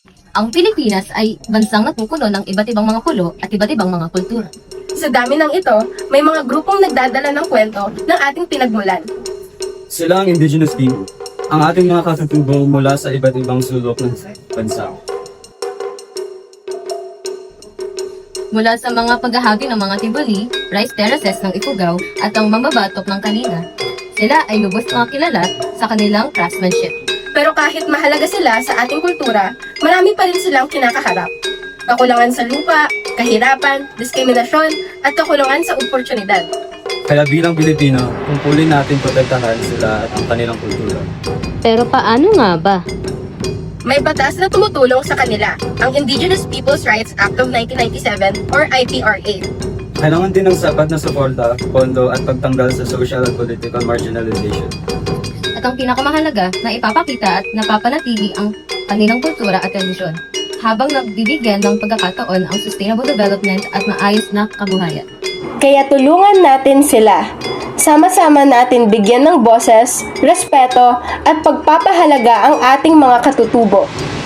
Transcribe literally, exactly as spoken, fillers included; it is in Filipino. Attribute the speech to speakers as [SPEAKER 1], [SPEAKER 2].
[SPEAKER 1] Ang Pilipinas ay bansang napupuno ng iba't ibang mga kulo at iba't ibang mga kultura.
[SPEAKER 2] Sa dami ng ito, may mga grupong nagdadala ng kwento ng ating pinagmulan.
[SPEAKER 3] Sila ang indigenous people, ang ating mga katutubo mula sa iba't ibang sulok ng bansa.
[SPEAKER 1] Mula sa mga paghahagi ng mga tibuli, rice terraces ng Ifugao at ang mambabatok ng Kalinga, sila ay lubos na kilala sa kanilang craftsmanship.
[SPEAKER 2] Pero kahit mahalaga sila sa ating kultura, marami pa rin silang kinakaharap. Kakulangan sa lupa, kahirapan, diskriminasyon, at kakulangan sa oportunidad.
[SPEAKER 3] Kaya bilang Pilipino, tungkulin natin protektahan sila at ang kanilang kultura.
[SPEAKER 1] Pero paano nga ba?
[SPEAKER 2] May batas na tumutulong sa kanila, ang Indigenous Peoples' Rights Act of nineteen ninety-seven or I P R A.
[SPEAKER 3] Kailangan din ng sapat na suporta, pondo at pagtanggal sa social and political marginalization.
[SPEAKER 1] At ang pinakamahalaga na ipapakita at napapanatili ang kanilang kultura at tradisyon, habang nagbibigyan ng pagkakataon ang sustainable development at maayos na kabuhayan.
[SPEAKER 2] Kaya tulungan natin sila. Sama-sama natin bigyan ng boses, respeto at pagpapahalaga ang ating mga katutubo.